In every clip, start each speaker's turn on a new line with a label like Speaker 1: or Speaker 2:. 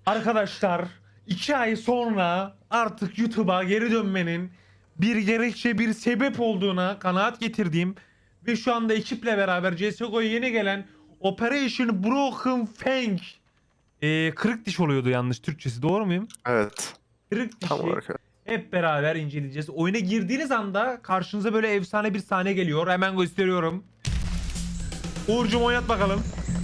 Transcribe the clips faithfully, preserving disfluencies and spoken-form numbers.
Speaker 1: Arkadaşlar iki ay sonra artık YouTube'a geri dönmenin bir gerekçe bir sebep olduğuna kanaat getirdiğim ve şu anda ekiple beraber C S G O'ya yeni gelen Operation Broken Fang ee, kırık diş oluyordu yanlış Türkçesi, doğru muyum?
Speaker 2: Evet.
Speaker 1: Kırık
Speaker 2: Tam
Speaker 1: dişi
Speaker 2: olarak evet.
Speaker 1: hep beraber inceleyeceğiz. Oyuna girdiğiniz anda karşınıza böyle efsane bir sahne geliyor. Hemen gösteriyorum. Uğur'cum oynat bakalım.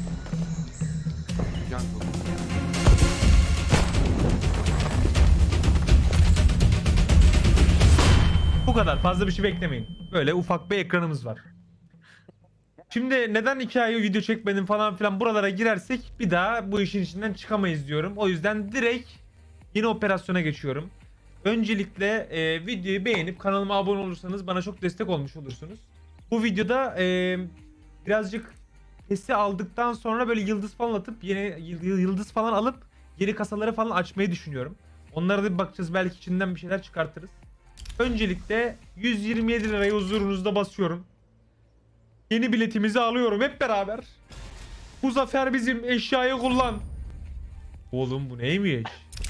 Speaker 1: Bu kadar. Fazla bir şey beklemeyin. Böyle ufak bir ekranımız var. Şimdi neden iki ay video çekmedim falan filan buralara girersek bir daha bu işin içinden çıkamayız diyorum. O yüzden direkt yeni operasyona geçiyorum. Öncelikle e, videoyu beğenip kanalıma abone olursanız bana çok destek olmuş olursunuz. Bu videoda e, birazcık sesi aldıktan sonra böyle yıldız falan atıp yeni yıldız falan alıp geri kasaları falan açmayı düşünüyorum. Onlara da bir bakacağız, belki içinden bir şeyler çıkartırız. Öncelikle yüz yirmi yedi lirayı huzurunuzda basıyorum. Yeni biletimizi alıyorum hep beraber. Bu zafer bizim, eşyayı kullan. Oğlum bu neymiş?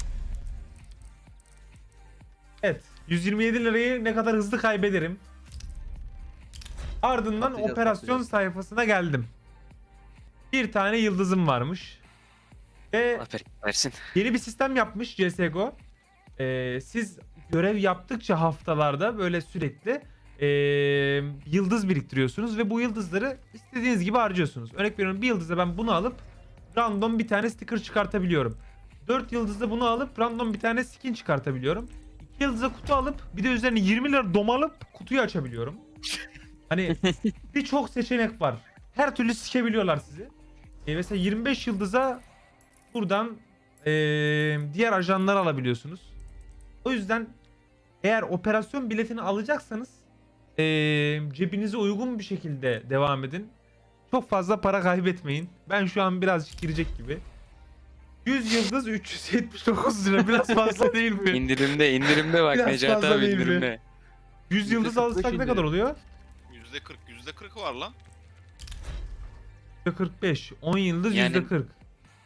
Speaker 1: Evet, yüz yirmi yedi lirayı ne kadar hızlı kaybederim. Ardından
Speaker 3: Atacağız,
Speaker 1: operasyon
Speaker 3: atacağız.
Speaker 1: sayfasına geldim. Bir tane yıldızım varmış. Ve
Speaker 4: Aferin versin.
Speaker 1: yeni bir sistem yapmış C S G O. Ee, siz görev yaptıkça haftalarda böyle sürekli ee, yıldız biriktiriyorsunuz ve bu yıldızları istediğiniz gibi harcıyorsunuz. Örnek veriyorum, bir yıldızda ben bunu alıp random bir tane sticker çıkartabiliyorum. dört yıldızda bunu alıp random bir tane skin çıkartabiliyorum. iki yıldızda kutu alıp bir de üzerine yirmi lira domalıp kutuyu açabiliyorum. Hani birçok seçenek var. Her türlü sikebiliyorlar sizi. E mesela yirmi beş yıldıza buradan ee, diğer ajanları alabiliyorsunuz. O yüzden eğer operasyon biletini alacaksanız ee, cebinize uygun bir şekilde devam edin. Çok fazla para kaybetmeyin. Ben şu an birazcık girecek gibi. yüz yıldız üç yüz yetmiş dokuz lira, biraz fazla değil mi?
Speaker 4: İndirimde indirimde bak
Speaker 1: Biraz
Speaker 4: Necati
Speaker 1: fazla
Speaker 4: abi
Speaker 1: değil mi?
Speaker 4: indirimde.
Speaker 1: yüz yıldız
Speaker 3: yüzde kırk beş
Speaker 1: alırsak ne kadar
Speaker 3: indirim.
Speaker 1: oluyor?
Speaker 5: yüzde kırk, yüzde kırk var lan.
Speaker 1: yüzde kırk beş. on yıldız
Speaker 4: Yani-
Speaker 1: yüzde kırk.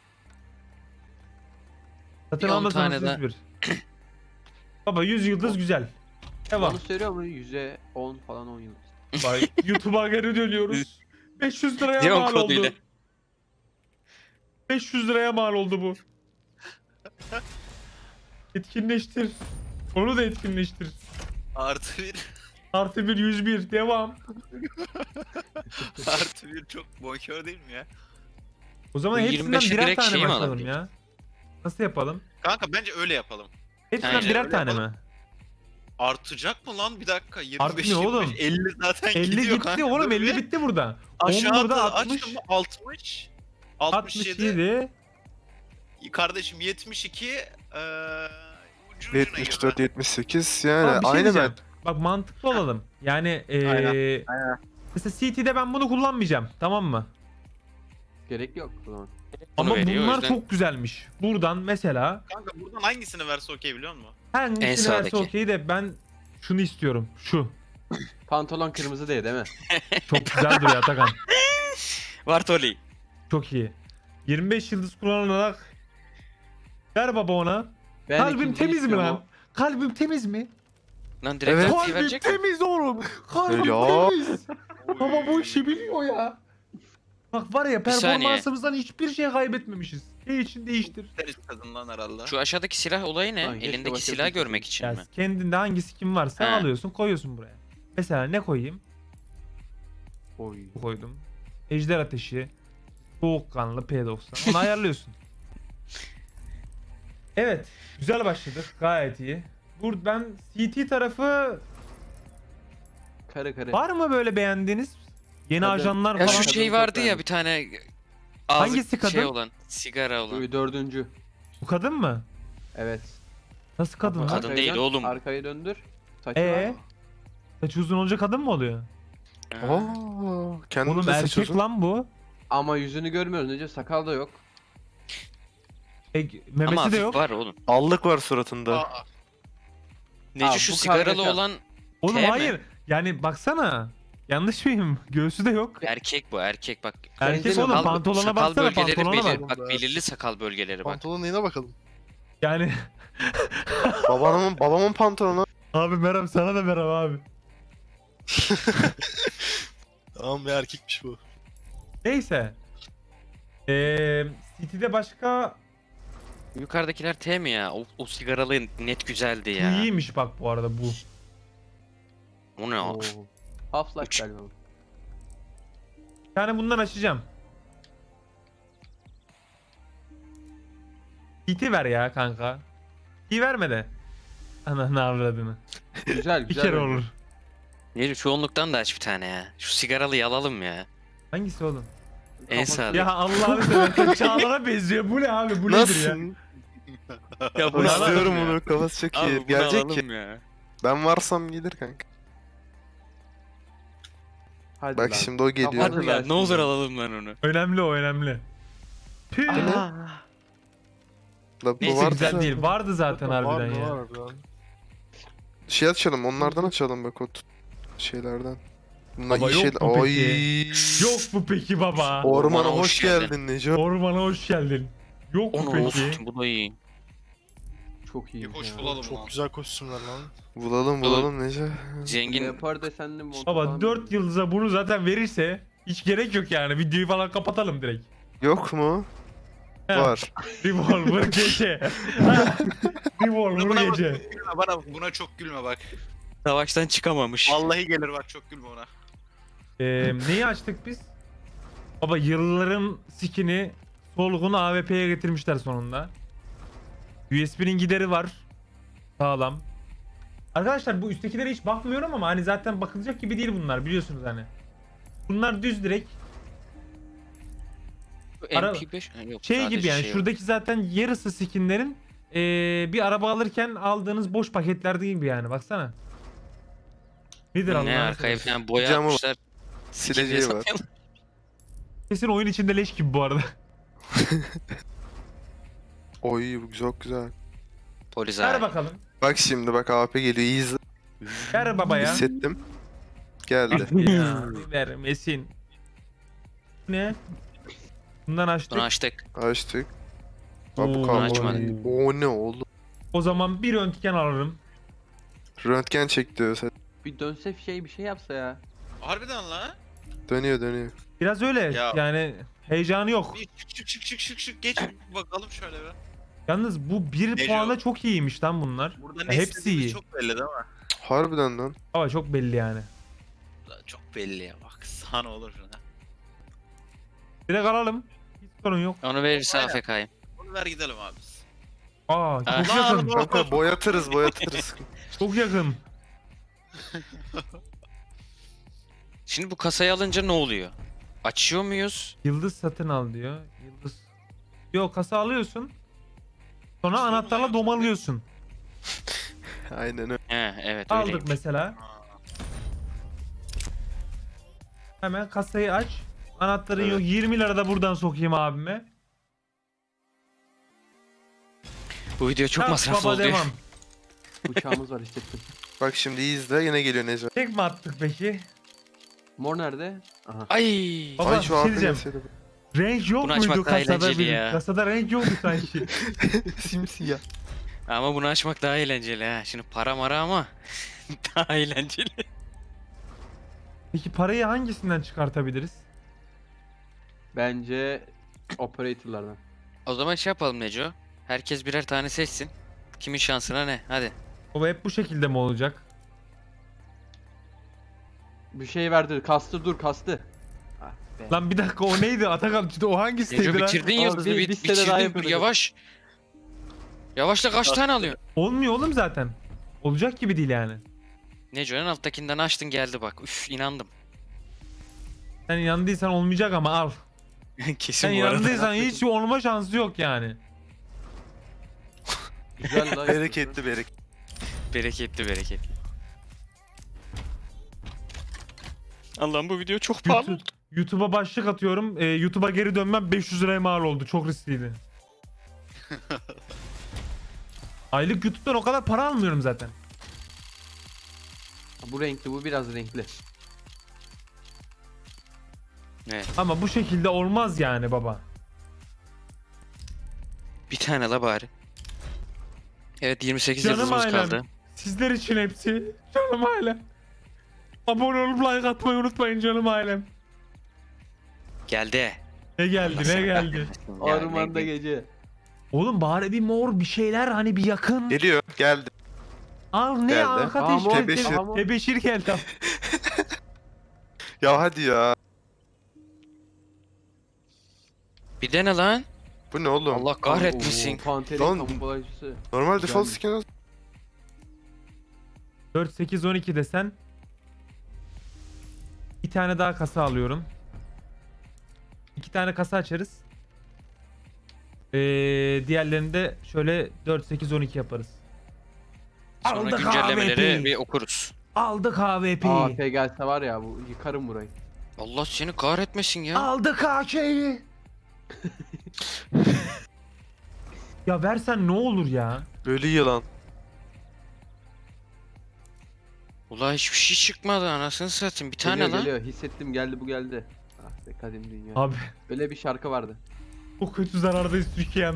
Speaker 1: Zaten
Speaker 4: Bir on
Speaker 1: almasanız
Speaker 4: tane
Speaker 1: bir. Baba yüz yıldız güzel. Devam.
Speaker 3: Onu söylüyor mu? yüzde on falan on yıldız.
Speaker 1: Bak, YouTube'a geri dönüyoruz. beş yüz liraya
Speaker 4: Diyon
Speaker 1: mal
Speaker 4: koduyla.
Speaker 1: oldu. beş yüz liraya mal oldu bu. Etkinleştir. Onu da etkinleştir.
Speaker 5: Artı bir.
Speaker 1: Artı bir yüz bir. Devam.
Speaker 5: Artı bir çok bonkör değil mi ya?
Speaker 1: O zaman
Speaker 4: Bu
Speaker 1: hepsinden
Speaker 4: yirmi beşe
Speaker 1: birer
Speaker 4: direkt
Speaker 1: tane
Speaker 4: şey mi
Speaker 1: başlayalım
Speaker 4: alabiliyoruz?
Speaker 1: ya. Nasıl yapalım?
Speaker 5: Kanka bence öyle yapalım.
Speaker 1: Hepsinden
Speaker 4: Aynen,
Speaker 1: birer
Speaker 5: öyle
Speaker 1: tane
Speaker 5: yapalım.
Speaker 1: mi?
Speaker 5: Artacak mı lan? Bir dakika. yirmi beş,
Speaker 1: Artmıyor
Speaker 5: yirmi beş,
Speaker 1: oğlum.
Speaker 5: elli zaten
Speaker 1: elli
Speaker 5: gidiyor
Speaker 1: gitti
Speaker 5: kanka.
Speaker 1: oğlum,
Speaker 5: Dur
Speaker 1: elli
Speaker 5: bir.
Speaker 1: bitti burada. on
Speaker 5: Aşağıda
Speaker 1: burada
Speaker 5: açtım
Speaker 1: altmış.
Speaker 5: mı? altmış. altmış yedi.
Speaker 1: altmış yedi.
Speaker 5: Kardeşim yetmiş iki. Eee ucu ucuna
Speaker 2: yetmiş
Speaker 5: girdi.
Speaker 2: dört yetmiş sekiz yani
Speaker 1: Ama bir şey
Speaker 2: aynı
Speaker 1: diyeceğim.
Speaker 2: ben.
Speaker 1: Bak mantıklı olalım. Yani eee
Speaker 5: Aynen, aynen.
Speaker 1: mesela C T'de ben bunu kullanmayacağım. Tamam mı?
Speaker 3: Gerek yok o zaman.
Speaker 1: Ama
Speaker 4: veriyor, o
Speaker 1: bunlar
Speaker 4: yüzden-
Speaker 1: çok güzelmiş. Buradan mesela
Speaker 5: Kanka buradan hangisini verse okey biliyor musun?
Speaker 1: hangisini verse
Speaker 4: sağdaki.
Speaker 1: okey de ben şunu istiyorum. Şu.
Speaker 3: Pantolon kırmızı değil değil mi?
Speaker 1: Çok güzel duruyor Atakan.
Speaker 4: Bartoli.
Speaker 1: Çok iyi. yirmi beş yıldız kullanarak ver baba ona.
Speaker 3: Ben
Speaker 1: Kalbim
Speaker 3: ikinci
Speaker 1: temiz mi
Speaker 3: istiyorum
Speaker 1: lan? Kalbim temiz mi?
Speaker 4: Lan direkt
Speaker 2: Evet.
Speaker 4: evet.
Speaker 1: Kalbim
Speaker 4: verecek mi?
Speaker 1: temiz oğlum. Kalbim
Speaker 2: Ya.
Speaker 1: temiz. Baba bu işi biliyor ya. Bak var ya,
Speaker 4: Bir saniye.
Speaker 1: performansımızdan hiçbir şey kaybetmemişiz. Ne için değiştir.
Speaker 5: Deriz kadından herhalde.
Speaker 4: Şu aşağıdaki silah olayı ne?
Speaker 3: Lan keşke
Speaker 4: Elindeki
Speaker 3: başka bir
Speaker 4: silahı
Speaker 3: şey
Speaker 4: görmek için
Speaker 1: Ya
Speaker 4: mi?
Speaker 1: kendinde hangi skin varsa
Speaker 4: He.
Speaker 1: alıyorsun, koyuyorsun buraya. Mesela ne koyayım?
Speaker 3: Oy.
Speaker 1: Bu koydum. Ejder ateşi. Soğukkanlı P doksan. Onu ayarlıyorsun. Evet. Güzel başladık. Gayet iyi. Burada ben C T tarafı
Speaker 3: Kare kare.
Speaker 1: var mı böyle beğendiğiniz? Yeni
Speaker 3: Kadın.
Speaker 1: ajanlar
Speaker 4: Ya
Speaker 1: falan.
Speaker 4: şu
Speaker 3: Kadın
Speaker 4: şey
Speaker 3: çok
Speaker 4: vardı ya
Speaker 3: beğendim.
Speaker 4: bir tane ağzı
Speaker 1: Hangisi
Speaker 4: şey
Speaker 1: kadın?
Speaker 4: olan, sigara olan.
Speaker 3: Şu dördüncü.
Speaker 1: Bu kadın mı?
Speaker 3: Evet.
Speaker 1: Nasıl kadın lan?
Speaker 4: Kadın
Speaker 3: Arkayı
Speaker 4: değil
Speaker 3: dön,
Speaker 4: oğlum.
Speaker 3: Arkayı döndür. Saçı
Speaker 1: Ee?
Speaker 3: var.
Speaker 1: Saçı uzun olunca kadın mı oluyor?
Speaker 4: Ha.
Speaker 2: Oo, kendin
Speaker 1: Oğlum
Speaker 2: de
Speaker 1: erkek
Speaker 2: seçiyorsun.
Speaker 1: lan bu.
Speaker 3: Ama yüzünü görmüyoruz. Nece sakal da yok.
Speaker 1: E, memesi
Speaker 4: Ama
Speaker 1: de
Speaker 4: hafif
Speaker 1: yok.
Speaker 4: var oğlum.
Speaker 2: Allık var suratında.
Speaker 5: Aa,
Speaker 4: Nece
Speaker 3: Aa,
Speaker 4: şu
Speaker 3: bu
Speaker 4: sigaralı
Speaker 3: kargaşa.
Speaker 4: olan
Speaker 1: Oğlum
Speaker 4: T mi?
Speaker 1: hayır. Yani baksana. Yanlış mıyım? Göğsü de yok.
Speaker 4: Erkek bu erkek bak.
Speaker 1: Erkek
Speaker 3: Benzemiyor.
Speaker 1: oğlum
Speaker 4: Sakal-
Speaker 1: pantolona
Speaker 4: sakal
Speaker 1: baksana
Speaker 4: bölgeleri
Speaker 1: pantolona
Speaker 4: belir-
Speaker 1: bak.
Speaker 4: Bak
Speaker 6: Evet.
Speaker 4: belirli sakal bölgeleri bak.
Speaker 6: Pantolonun neyine bakalım.
Speaker 1: Yani
Speaker 2: Babamın babamın pantolonu.
Speaker 1: abi merhaba sana da merhaba abi.
Speaker 6: Tamam bir erkekmiş bu.
Speaker 1: Neyse. Eee City'de başka
Speaker 4: Yukarıdakiler T mi ya? O, o sigaralı net güzeldi ya.
Speaker 1: iyiymiş bak bu arada bu.
Speaker 4: O ne o?
Speaker 3: Oo. Half-Life
Speaker 4: Üç.
Speaker 3: galiba. bu.
Speaker 1: Bir tane bundan açacağım. City ver ya kanka. İyi verme de. Ananı avradını.
Speaker 3: Güzel
Speaker 1: Bir
Speaker 3: güzel.
Speaker 1: kere
Speaker 3: bence.
Speaker 1: olur.
Speaker 4: Neydi çoğunluktan da aç bir tane ya. Şu sigaralıyı alalım ya.
Speaker 1: Hangisi oğlum?
Speaker 4: En
Speaker 3: Kafası-
Speaker 4: sağda.
Speaker 1: Ya Allah'ını seversen Çağlar'a benziyor. Bu ne abi? Bu nedir
Speaker 2: Nasıl?
Speaker 1: ya?
Speaker 4: Ya
Speaker 1: bunu alalım
Speaker 2: İstiyorum
Speaker 4: ya.
Speaker 2: bunu. Kafası çok
Speaker 4: Abi
Speaker 2: iyi.
Speaker 4: bunu
Speaker 2: Gelecek ki.
Speaker 4: alalım ya.
Speaker 2: Ben varsam gelir kanka.
Speaker 3: Hadi
Speaker 2: Bak
Speaker 3: lan.
Speaker 2: şimdi o geliyor.
Speaker 3: Kafanı
Speaker 4: Hadi lan
Speaker 3: gelsin
Speaker 4: ne olur
Speaker 3: ya.
Speaker 4: alalım lan onu.
Speaker 1: Önemli o önemli. Tüh.
Speaker 2: Bu ne?
Speaker 4: Aa,
Speaker 2: La bu
Speaker 4: Neyse,
Speaker 2: vardı
Speaker 1: Güzel
Speaker 2: zaten.
Speaker 1: değil. Vardı zaten
Speaker 6: Var
Speaker 1: harbiden
Speaker 6: mı
Speaker 1: ya.
Speaker 6: var harbiden.
Speaker 2: Şey açalım. Onlardan açalım bak o t- şeylerden. Bunlar
Speaker 1: Baba
Speaker 2: iyi
Speaker 1: yok
Speaker 2: şeyler.
Speaker 1: mu
Speaker 2: Ay.
Speaker 1: peki? Yok mu peki baba?
Speaker 2: Ormana
Speaker 4: Ormana
Speaker 2: hoş
Speaker 4: hoş geldin.
Speaker 2: geldin Neco.
Speaker 1: Ormana hoş geldin. Yok mu
Speaker 4: onu
Speaker 1: peki?
Speaker 4: olsun bu da iyi.
Speaker 3: Çok iyi.
Speaker 5: Bir hoş
Speaker 3: ya.
Speaker 5: bulalım
Speaker 6: Çok
Speaker 5: lan.
Speaker 6: güzel kostümler lan.
Speaker 2: Bulalım bulalım Neco.
Speaker 4: Zengin.
Speaker 3: Leopar desenli mont
Speaker 1: Baba
Speaker 3: falan.
Speaker 1: dört yıldıza bunu zaten verirse hiç gerek yok yani. Videoyu falan kapatalım direkt.
Speaker 2: Yok mu?
Speaker 1: He.
Speaker 2: Var.
Speaker 1: Revolver gece. Revolver
Speaker 5: Buna,
Speaker 1: gece.
Speaker 5: gülme bana, buna çok gülme bak.
Speaker 4: Savaştan çıkamamış.
Speaker 5: Vallahi gelir bak, çok gülme ona.
Speaker 1: Ee, neyi açtık biz? Baba yılların skin'i solgun A W P'ye getirmişler sonunda. U S B'nin gideri var. Sağlam. Arkadaşlar bu üsttekilere hiç bakmıyorum ama hani zaten bakılacak gibi değil bunlar biliyorsunuz hani. Bunlar düz direkt Ara-
Speaker 4: M P beş Ha, yok,
Speaker 1: şey
Speaker 4: sadece
Speaker 1: gibi yani
Speaker 4: şey var.
Speaker 1: şuradaki zaten yarısı skinlerin ee, bir araba alırken aldığınız boş paketlerde gibi yani baksana. Nedir
Speaker 4: Ne
Speaker 1: Allah'ını
Speaker 4: arkaya
Speaker 1: seversen.
Speaker 4: falan boya
Speaker 2: Camı var.
Speaker 4: atmışlar.
Speaker 2: Sileceği var.
Speaker 1: Kesin oyun içinde leş gibi bu arada.
Speaker 2: Oy bu çok güzel.
Speaker 4: Polis
Speaker 1: Ver
Speaker 4: abi.
Speaker 1: bakalım.
Speaker 2: Bak şimdi bak A P geliyor. İyi izle.
Speaker 1: Ver baba ya.
Speaker 2: Hissettim. Geldi.
Speaker 1: Ya vermesin. Ne? Bundan açtık.
Speaker 4: Bunu açtık.
Speaker 2: Açtık. Bak
Speaker 1: Oo,
Speaker 2: bu kaldı.
Speaker 4: açmadık.
Speaker 2: O ne oğlum?
Speaker 1: O zaman bir röntgen alırım.
Speaker 2: Röntgen çek diyor. sen.
Speaker 3: Bir dönse şey bir şey yapsa ya.
Speaker 5: Harbiden lan.
Speaker 2: Dönüyor dönüyor.
Speaker 1: Biraz öyle
Speaker 5: Ya.
Speaker 1: yani heyecanı yok.
Speaker 5: Bir çık çık çık çık çık çık geç bakalım şöyle bir.
Speaker 1: Yalnız bu bir
Speaker 5: Neco.
Speaker 1: puana çok iyiymiş lan bunlar.
Speaker 5: Burada
Speaker 1: Ya
Speaker 5: ne
Speaker 1: hepsi
Speaker 5: istediğimiz
Speaker 1: iyi.
Speaker 5: çok belli değil mi?
Speaker 2: Harbiden lan.
Speaker 1: Ama çok belli yani.
Speaker 5: Çok belli ya, bak sana olur şuna.
Speaker 1: Direkt alalım. Hiç sorun yok.
Speaker 4: Onu verirse
Speaker 5: Aynen.
Speaker 4: A F K'yım.
Speaker 5: Bunu ver gidelim abi.
Speaker 1: Aa çok
Speaker 4: Ah.
Speaker 1: yakın.
Speaker 5: Lan,
Speaker 2: Kanka boyatırız boyatırız.
Speaker 1: Çok yakın.
Speaker 4: Şimdi bu kasayı alınca ne oluyor? Açıyor muyuz?
Speaker 1: Yıldız satın al diyor. Yıldız. Yok kasa alıyorsun. Sonra
Speaker 5: Sorun
Speaker 1: anahtarla
Speaker 5: yok.
Speaker 1: domalıyorsun.
Speaker 2: Aynen öyle.
Speaker 4: He evet
Speaker 1: Aldık
Speaker 4: öyleymiş.
Speaker 1: mesela.
Speaker 5: Aa,
Speaker 1: Hemen kasayı aç. Anahtarın
Speaker 2: Evet.
Speaker 1: yok. yirmi lira da buradan sokayım abime.
Speaker 4: Bu video çok
Speaker 1: Çak
Speaker 4: masraflı
Speaker 1: baba
Speaker 4: oldu.
Speaker 1: devam.
Speaker 3: Uçağımız var hissettim.
Speaker 2: Bak şimdi iyi izle yine geliyor Neco.
Speaker 1: Tek mi attık peki?
Speaker 3: Mor nerede? Aha.
Speaker 4: Ay.
Speaker 1: Baba
Speaker 2: Ay
Speaker 1: bir
Speaker 2: şu
Speaker 1: şey
Speaker 2: A P
Speaker 1: diyeceğim.
Speaker 2: gelseydi.
Speaker 1: Renk yok
Speaker 4: Bunu
Speaker 1: muydu
Speaker 4: açmak daha
Speaker 1: kasada
Speaker 4: eğlenceli
Speaker 1: bir?
Speaker 4: ya.
Speaker 1: Kasada renk yoktu sanki.
Speaker 2: Simsiyah.
Speaker 4: Ama bunu açmak daha eğlenceli ha. Şimdi para mara ama daha eğlenceli.
Speaker 1: Peki parayı hangisinden çıkartabiliriz?
Speaker 3: Bence operatorlardan.
Speaker 4: O zaman şey yapalım Neco. Herkes birer tane seçsin. Kimin şansına ne? Hadi.
Speaker 1: O hep bu şekilde mi olacak?
Speaker 3: Bir şey verdi. Kastı dur kastı. Ah be.
Speaker 1: Lan bir dakika o neydi? Atakan işte o hangisiydi
Speaker 4: Neco
Speaker 1: lan?
Speaker 4: bitirdin
Speaker 3: Abi
Speaker 4: yıldızı.
Speaker 3: bir-
Speaker 4: Bit,
Speaker 3: bir sene daha
Speaker 4: bitirdin.
Speaker 3: yapıyorduk.
Speaker 4: Yavaş. Yavaşla kaç tane alıyorsun?
Speaker 1: Olmuyor oğlum zaten. Olacak gibi değil yani.
Speaker 4: Neco en alttakinden açtın geldi bak. Üf inandım.
Speaker 1: Sen inandıysan olmayacak ama al.
Speaker 4: Kesin
Speaker 1: Sen
Speaker 4: bu arada.
Speaker 1: inandıysan hiç olma şansı yok yani.
Speaker 3: Güzel la.
Speaker 2: Bereketli bereket.
Speaker 4: Bereketli bereketli. Allah'ım bu video çok pahalı.
Speaker 1: YouTube, YouTube'a başlık atıyorum. Ee, YouTube'a geri dönmem beş yüz liraya mal oldu. Çok riskliydi. Aylık YouTube'dan o kadar para almıyorum zaten.
Speaker 3: Bu renkli bu biraz renkli.
Speaker 4: Evet.
Speaker 1: Ama bu şekilde olmaz yani baba.
Speaker 4: Bir tane la bari. Evet yirmi sekiz
Speaker 1: Canım
Speaker 4: yıldızımız
Speaker 1: ailem.
Speaker 4: kaldı.
Speaker 1: Sizler için hepsi. Canım ailem. Abone olup like atmayı unutmayın canım ailem.
Speaker 4: Geldi.
Speaker 1: Ne geldi ne geldi.
Speaker 3: Ormanda gece.
Speaker 1: Oğlum bari bir mor bir şeyler hani bir yakın.
Speaker 2: Geliyor. Geldi.
Speaker 1: Al ne
Speaker 2: Geldi.
Speaker 1: arka
Speaker 3: Aa, mor,
Speaker 1: teşkil
Speaker 2: Tebeşir.
Speaker 3: aa, mor.
Speaker 1: Tebeşir geldi.
Speaker 2: Ya hadi ya.
Speaker 4: Bir dene lan.
Speaker 2: Bu ne oğlum?
Speaker 4: Allah kahretmesin.
Speaker 3: Oo, Panterin
Speaker 2: Lan-
Speaker 3: kamuflajcısı.
Speaker 2: Normal default
Speaker 3: Güzelmiş.
Speaker 2: skin al.
Speaker 1: dört sekiz on iki desen. Bir tane daha kasa alıyorum. İki tane kasa açarız. Ee, diğerlerini de şöyle dört sekiz on iki yaparız.
Speaker 4: Sonra
Speaker 1: Aldık
Speaker 4: güncellemeleri
Speaker 1: A V P.
Speaker 4: bir okuruz.
Speaker 1: Aldık A V
Speaker 3: A
Speaker 1: P'yi.
Speaker 3: P gelse var ya bu yıkarım burayı.
Speaker 4: Allah seni kahretmesin ya.
Speaker 1: Aldık A K'yi. Ya versen ne olur ya.
Speaker 2: Böyle yılan.
Speaker 4: Ulan hiçbir şey çıkmadı anasını satayım. Bir tane
Speaker 3: Geliyor
Speaker 4: lan.
Speaker 3: geliyor hissettim geldi bu geldi. Ah be kadim dünya.
Speaker 1: Abi
Speaker 3: Böyle bir şarkı vardı.
Speaker 1: o kötü zarardayız Türkiye'm.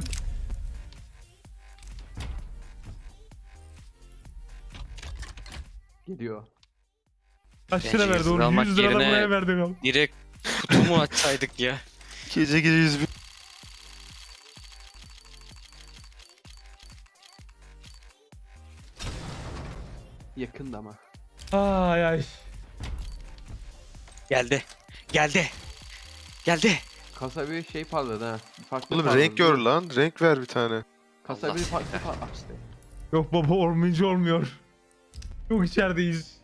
Speaker 3: Geliyor.
Speaker 1: Kaç
Speaker 4: Bence
Speaker 1: lira verdi
Speaker 4: yüz lira
Speaker 1: onu?
Speaker 4: almak
Speaker 1: yüz lira da
Speaker 4: yerine-
Speaker 1: buraya verdik abi.
Speaker 4: Direkt kutumu açsaydık ya.
Speaker 2: Gece gece yüz bin.
Speaker 3: Yakında ama.
Speaker 1: Ay ay.
Speaker 4: Geldi. Geldi. Geldi.
Speaker 3: Kasa bir şey parladı ha. Bir farklı
Speaker 2: Oğlum
Speaker 3: parladı.
Speaker 2: renk gör lan. Renk ver bir tane.
Speaker 3: Kasa
Speaker 4: Allah
Speaker 3: bir
Speaker 4: seni
Speaker 3: farklı parladı işte.
Speaker 1: Yok baba olmayınca olmuyor. Çok içerideyiz.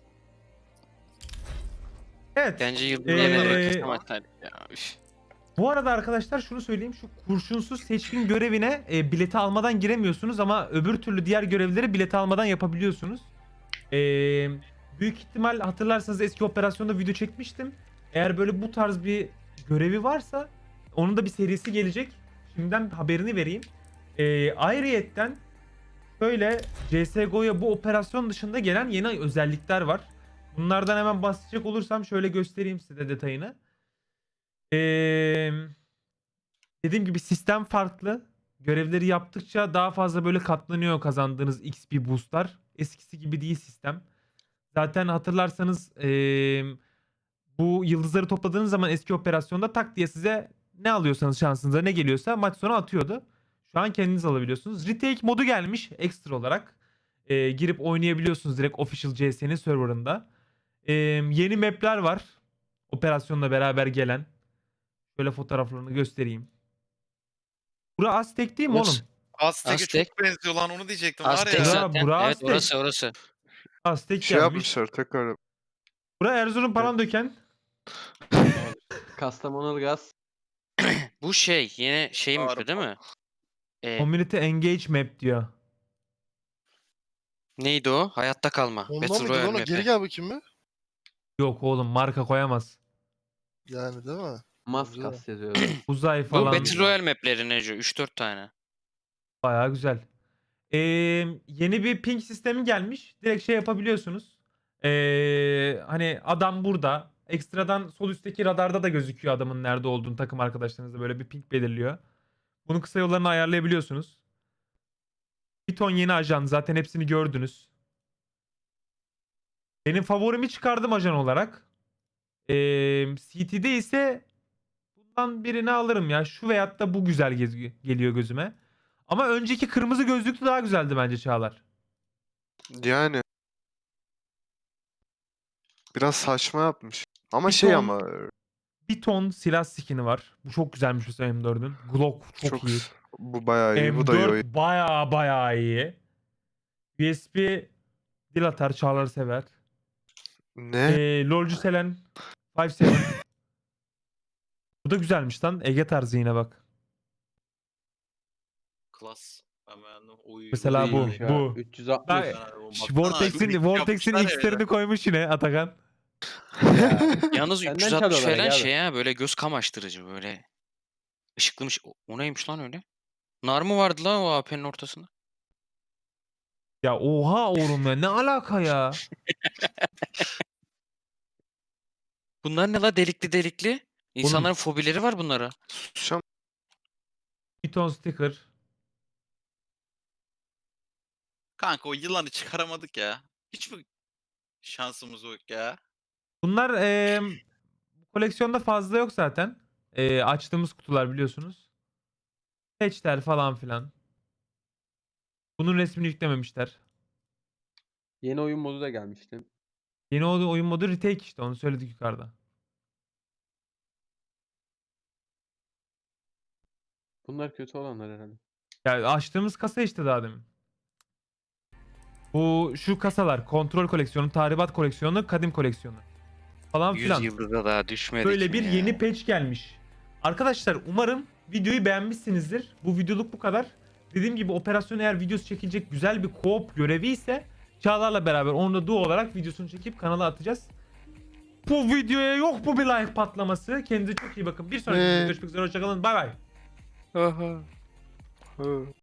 Speaker 1: Evet.
Speaker 4: Bence
Speaker 1: Ee,
Speaker 4: yıldızları ee... açsaydık ya. Üf.
Speaker 1: Bu arada arkadaşlar şunu söyleyeyim. Şu kurşunsuz seçkin görevine e, bileti almadan giremiyorsunuz ama öbür türlü diğer görevleri bileti almadan yapabiliyorsunuz. E, büyük ihtimal hatırlarsanız eski operasyonda video çekmiştim. Eğer böyle bu tarz bir görevi varsa onun da bir serisi gelecek. Şimdiden haberini vereyim. E, ayrıyetten şöyle C S G O'ya bu operasyon dışında gelen yeni özellikler var. Bunlardan hemen bahsedecek olursam şöyle göstereyim size detayını. Ee, dediğim gibi sistem farklı. Görevleri yaptıkça daha fazla böyle katlanıyor kazandığınız X P boostlar. Eskisi gibi değil sistem. Zaten hatırlarsanız ee, bu yıldızları topladığınız zaman eski operasyonda tak diye size ne alıyorsanız şansınıza ne geliyorsa maç sonu atıyordu. Şu an kendiniz alabiliyorsunuz. Retake modu gelmiş ekstra olarak. Ee, girip oynayabiliyorsunuz direkt Official C S'nin serverında. Ee, yeni map'ler var. Operasyonla beraber gelen. Şöyle fotoğraflarını göstereyim. Bura Aztek değil mi
Speaker 4: Burası-
Speaker 1: oğlum?
Speaker 5: Aztek'e
Speaker 4: Aztek.
Speaker 5: çok benziyor lan onu diyecektim var
Speaker 4: Aztek
Speaker 5: ya.
Speaker 1: Bura-
Speaker 4: zaten.
Speaker 1: bura
Speaker 4: Evet
Speaker 1: Aztek.
Speaker 4: orası orası.
Speaker 1: Aztek
Speaker 2: Şey
Speaker 1: gelmiş.
Speaker 2: yapmışlar tekrar.
Speaker 1: Bura Erzurum Palandöken.
Speaker 3: Kastamonu gaz.
Speaker 4: Bu şey yine şey mi
Speaker 5: Doğru.
Speaker 4: değil mi? Ee,
Speaker 1: Community Engage Map diyor.
Speaker 4: neydi o? Hayatta kalma.
Speaker 6: Ondan
Speaker 4: Battle
Speaker 6: mıydı
Speaker 4: Royale
Speaker 6: lan o?
Speaker 4: map'i.
Speaker 6: Geri gel bakayım mı?
Speaker 1: Yok oğlum marka koyamaz.
Speaker 6: Yani değil mi?
Speaker 3: Maskas yazıyor.
Speaker 1: Uzay
Speaker 4: Bu
Speaker 1: falan.
Speaker 4: Battle Royale map'leri Neco. üç dört tane.
Speaker 1: Bayağı güzel. Ee, yeni bir ping sistemi gelmiş. Direkt şey yapabiliyorsunuz. Ee, hani adam burada. Ekstradan sol üstteki radarda da gözüküyor adamın nerede olduğunu takım arkadaşlarınızla böyle bir ping belirliyor. Bunun kısa yollarını ayarlayabiliyorsunuz. Bir ton yeni ajan zaten hepsini gördünüz. Benim favorimi çıkardım ajan olarak. Ee, C T'de ise bundan birini alırım ya. Şu veyahut da bu güzel gez- geliyor gözüme. Ama önceki kırmızı gözlüklü daha güzeldi bence Çağlar.
Speaker 2: Yani. Biraz saçma yapmış. Ama
Speaker 1: Bir
Speaker 2: şey
Speaker 1: ton-
Speaker 2: ama
Speaker 1: Bir ton silah skin'i var. Bu çok güzelmiş mesela M dördün. Glock çok,
Speaker 2: çok,
Speaker 1: iyi.
Speaker 2: bu bayağı iyi. Bu da iyi. oyun.
Speaker 1: M dört baya baya iyi. U S B dil atar Çağlar sever.
Speaker 2: Ne?
Speaker 1: Ee, LoL'cu Selen beş yedi. Bu da güzelmiş lan. Ege tarzı yine bak.
Speaker 5: Klas. Ben beğendim. Oy,
Speaker 1: Mesela bu,
Speaker 3: İyiymiş ha.
Speaker 1: bu.
Speaker 3: üç yüz altmış.
Speaker 1: Ben-
Speaker 5: Baksana,
Speaker 1: Şş,
Speaker 5: baksana,
Speaker 1: Vortex'in
Speaker 5: şu
Speaker 1: Vortex'in
Speaker 5: yapmışlar ya
Speaker 1: X'lerini
Speaker 5: bir de.
Speaker 1: koymuş yine Atakan.
Speaker 4: Yalnız
Speaker 3: Senden
Speaker 4: üç yüz altmış
Speaker 3: çalıyorlar
Speaker 4: falan
Speaker 3: abi.
Speaker 4: şey ha böyle göz kamaştırıcı böyle. Işıklımış. O, o neymiş lan öyle? Nar mı vardı lan o A P'nin ortasında?
Speaker 1: Ya oha oğlum ya ne alaka ya?
Speaker 4: Bunlar ne la delikli delikli? İnsanların fobileri var bunlara.
Speaker 2: Susacağım.
Speaker 1: Bir ton sticker.
Speaker 5: Kanka o yılanı çıkaramadık ya. Hiç mi şansımız yok ya?
Speaker 1: Bunlar eee, koleksiyonda fazla yok zaten. Eee, açtığımız kutular biliyorsunuz. Patchler falan filan. Bunun resmini yüklememişler.
Speaker 3: Yeni oyun modu da gelmişti.
Speaker 1: Yeni o- oyun modu retake işte, onu söyledik yukarıda.
Speaker 3: Bunlar kötü olanlar herhalde.
Speaker 1: Ya açtığımız kasa işte daha demin. Bu şu kasalar kontrol koleksiyonu, tahribat koleksiyonu, kadim koleksiyonu falan
Speaker 4: yüz
Speaker 1: filan.
Speaker 4: yılda daha düşmedik
Speaker 1: Böyle
Speaker 4: mi
Speaker 1: bir
Speaker 4: ya?
Speaker 1: yeni patch gelmiş. Arkadaşlar umarım videoyu beğenmişsinizdir. Bu videoluk bu kadar. Dediğim gibi operasyon eğer videosu çekilecek güzel bir co-op görevi ise Çağlar'la beraber onu da duo olarak videosunu çekip kanala atacağız. Bu videoya yok bu bir like patlaması. Kendinize çok iyi bakın. Bir sonraki
Speaker 2: Ne?
Speaker 1: videoda görüşmek üzere. Hoşçakalın. Bay bay.
Speaker 2: Aha. Hı.